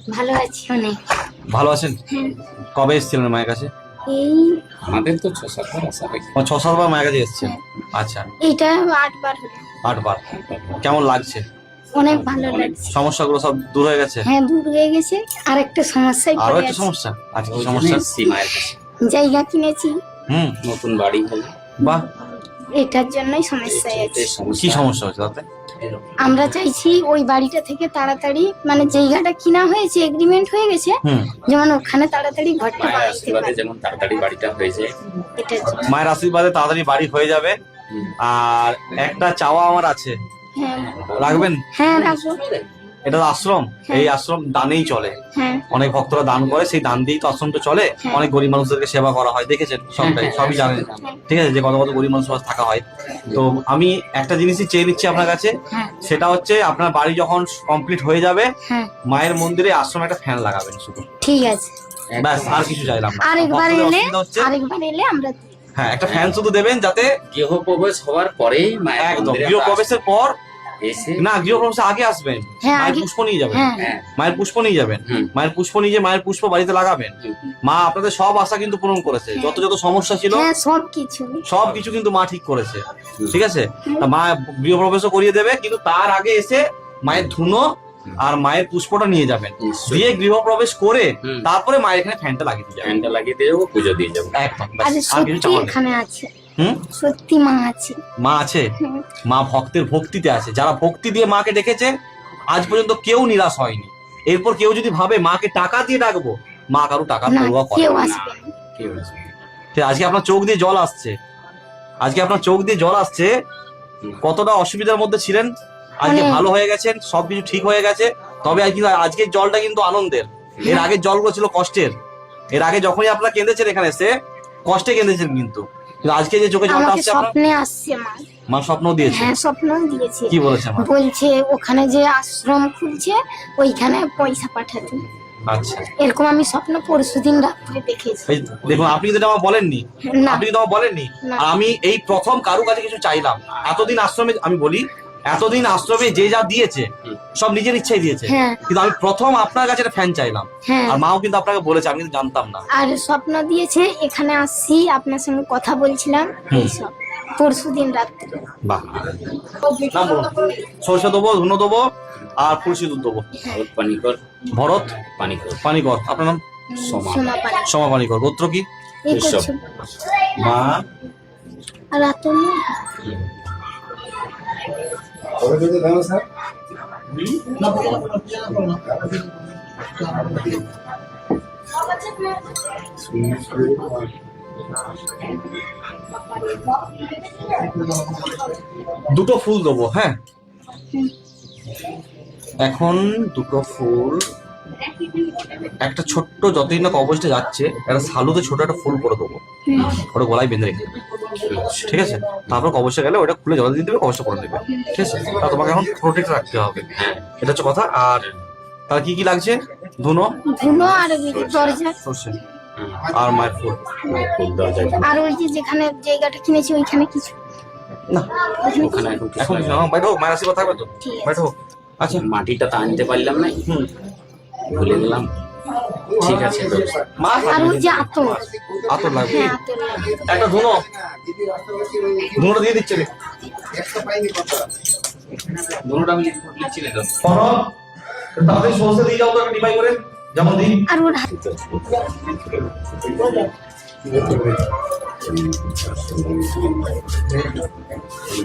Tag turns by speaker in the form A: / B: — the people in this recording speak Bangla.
A: ভালো আছি অনেক।
B: ভালো আছেন? কবে এসেছিলেন মায়ের কাছে?
A: এই
C: আমাদের তো 6-7 বার আসা হয়।
B: 6-7 বার মায়ের কাছে এসেছেন। আচ্ছা,
A: এইটা 8 বার হলো।
B: 8 বার। কেমন লাগছে?
A: অনেক ভালো লাগছে।
B: সমস্যাগুলো সব দূর হয়ে গেছে?
A: হ্যাঁ, দূর হয়ে গেছে। আর একটা সমস্যায়
B: আরো
A: পড়ে
B: একটা
A: আছি।
B: সমস্যা? আচ্ছা, কি
C: ওই জন্য
B: সমস্যা?
C: এসছি মায়ের কাছে।
A: জায়গা কিনেছি,
C: নতুন বাড়ি হলো।
B: বাহ,
A: এটার জন্যই সমস্যায় আছি।
B: কি সমস্যা হচ্ছে তাতে?
A: আমরা চাইছি ওই বাড়িটা থেকে তাড়াতাড়ি, মানে জায়গাটা কিনা হয়েছে, এগ্রিমেন্ট হয়ে গেছে, যেমন ওখানে তাড়াতাড়ি ঘরটা
C: মায়ের
A: বানাইতে
C: আশীর্বাদে
A: পারি।
C: যেমন তাড়াতাড়ি বাড়িটা হয়ে যায়।
A: এটার জন্য।
B: মায়ের আশীর্বাদে তাড়াতাড়ি বাড়ি হয়ে যাবে। আর একটা চাওয়া আমার আছে,
A: হ্যাঁ
B: রাখবেন?
A: হ্যাঁ, রাখবো।
B: এটা তো আশ্রম, এই আশ্রম দানেই চলে।
A: হ্যাঁ
B: অনেক ভক্তরা দান করে, সেই দান দিয়েই তো আশ্রমটা চলে। অনেক গরিব মানুষদেরকে সেবা করা হয়, দেখেছেন সবটাই, সবই জানেন। ঠিক আছে, যে কত কত গরিব মানুষ থাকা হয়। তো আমি একটা জিনিসই চেয়ে নিচ্ছি আপনার কাছে,
A: হ্যাঁ
B: সেটা হচ্ছে আপনার বাড়ি যখন কমপ্লিট হয়ে যাবে,
A: হ্যাঁ,
B: মায়ের মন্দিরে আশ্রমে একটা ফ্যান লাগাবেন শুধু,
A: ঠিক আছে।
B: ব্যাস, আর কিছু চাইলাম না।
A: আরেকবার
B: ভক্তদের
A: এলে
B: অসুবিধা হচ্ছে,
A: আমরা
B: হ্যাঁ, একটা ফ্যান শুধু দেবেন, যাতে
C: গৃহপ্রবেশ হওয়ার পরেই মায়ের
B: একদম
C: মন্দিরে
B: গৃহপ্রবেশের পর
C: এসে
B: না, গৃহপ্রবেশের আগে আসবেন,
A: হ্যাঁ,
B: মায়ের
A: আগে।
B: পুষ্প নিয়ে যাবেন।
A: হ্যাঁ
C: হ্যাঁ,
B: মায়ের পুষ্প নিয়ে যাবেন, মায়ের পুষ্প নিয়ে যেয়ে মায়ের পুষ্প বাড়িতে লাগাবেন। মা আপনাদের সব আশা কিন্তু পূরণ করেছে, যত যত সমস্যা ছিল
A: হ্যাঁ, সবকিছু।
B: সবকিছু কিন্তু মা ঠিক করেছে। ঠিক আছে, তা মা গৃহপ্রবেশও করিয়ে দেবে, কিন্তু তার আগে এসে মায়ের ধুনো আর মায়ের পুষ্পটা নিয়ে যাবেন,
C: নিশ্চয়ই।
B: দিয়ে গৃহপ্রবেশ করে
C: হুম।
B: তারপরে মায়ের এখানে ফ্যানটা লাগিয়ে দিয়ে যাবেন।
C: ফ্যানটা লাগিয়ে দিয়ে যাবো, পুজো দিয়ে যাবো।
B: একদম, ব্যাস,
A: আরে
B: আর কিছু
A: সত্যি
B: চাওয়ার নেই।
A: এখানে আছে,
B: হুম,
A: সত্যি মা আছে।
B: মা আছে,
A: হুম।
B: মা ভক্তের ভক্তিতে আছে। যারা ভক্তি দিয়ে মাকে ডেকেছে, আজ পর্যন্ত কেউ নিরাশ হয়নি। এরপর কেউ যদি ভাবে মাকে টাকা দিয়ে ডাকবো, মা কারো টাকার
A: না,
B: পরোয়া করে
A: কেউ
B: না।
A: আসবে না।
C: কেউ আসবে না।
B: ঠিক, আজকে আপনার চোখ দিয়ে জল আসছে, আজকে আপনার চোখ দিয়ে জল আসছে। কতটা অসুবিধার মধ্যে ছিলেন, আজকে
A: অনেক।
B: ভালো হয়ে গেছেন, সবকিছু ঠিক হয়ে গেছে। তবে আজকের জলটা কিন্তু আনন্দের, এর আগের জলগুলো ছিল কষ্টের। এর আগে যখনই আপনারা কেঁদেছেন এখানে এসে, কষ্টে কেঁদেছেন, কিন্তু আজকে যে চোখে জলটা
A: আমাকে
B: আসছে, আপনার
A: স্বপ্নে আসছে মা।
B: মা স্বপ্ন দিয়েছে।
A: হ্যাঁ, স্বপ্ন দিয়েছে।
B: কি বলেছে মা?
A: বলছে ওখানে যে আশ্রম খুলছে, ওইখানে পয়সা পাঠাতে।
B: আচ্ছা,
A: এরকম আমি স্বপ্ন পরশুদিন রাত্রে দেখেছি।
B: এই দেখুন, আপনি কিন্তু এটা আমার বলেননি,
A: না।
B: আপনি কিন্তু আমার বলেননি।
A: না।
B: আর আমি এই প্রথম কারো কাছে কিছু চাইলাম। এতদিন আশ্রমে, আমি বলি, এতদিন আশ্রমে যে যা দিয়েছে সব নিজের ইচ্ছাই দিয়েছে,
A: হ্যাঁ।
B: কিন্তু আমি প্রথম আপনার কাছে একটা ফ্যান চাইলাম।
A: হ্যাঁ,
B: আর মাও কিন্তু আপনাকে বলেছে, আমি কিন্তু জানতাম না।
A: আর স্বপ্ন দিয়েছে এখানে আসছি, আপনার সঙ্গে কথা বলছিলাম, এইসব পরশুদিন রাত্রে।
B: বাহ, নাম বলুন। সরষে দেবো, ধুনো দেবো, আর ফুল সিঁদুর দেবো।
C: ভরত পানিকর।
B: ভরত
C: পানিকর।
B: পানিকর। আপনার নাম?
C: সোমা।
A: সোমা পাড়া।
B: সোমা পানিকর। গোত্র কি?
A: এই
C: এইসব।
A: করছো।
B: মা
A: আর রাতুল
B: দুটো ফুল দেবো, হ্যাঁ। এখন দুটো ফুল, একটা ছোট্ট, যতদিন না কবচটা যাচ্ছে, একটা সালুতে ছোট একটা ফুল করে দেবো, ওটা গলায় বেঁধে রেখে দেবে। ঠিক আছে, তারপর কবচটা গেলে ওটা খুলে জল দিয়ে দেবে, কবচটা করে দেবে। ঠিক আছে, তা তোমাকে এখন প্রোটেক্ট রাখতে হবে, এটা হচ্ছে কথা। আর তার কি কি লাগছে? ধুনো,
A: ধুনো, আর ওই যে দরজা,
B: সর্ষে, আর মায়ের ফুল।
C: মায়ের ফুল দরজায়।
A: আর ওই যে যেখানে জায়গাটা কিনেছি ওইখানে কিছু।
B: না,
C: ওখানে এখন কিছু
B: এখন
C: লাগে
B: না,
C: না।
B: বাইরে হোক, মায়ের আশীর্বাদ থাকবে তো,
A: ঠিক আছে।
B: বাইরে হোক। আচ্ছা,
C: মাটিটা তো আনতে পারলাম না, ভুলে গেলাম। ঠিক আছে, ব্যবস্থা।
B: মা
A: আর ওই যে আতর,
B: আতর লাগবে,
A: হ্যাঁ আতর লাগবে।
B: একটা ধুনো, ধুনোটা দিয়ে দিচ্ছে রে।
C: ধরুন আমি লিখছিলে তো।
B: তাড়াতাড়ি সরষে দিয়ে যাও তো, একটা ডিবাই করে, যেমন দিই।
A: আর ওর হাত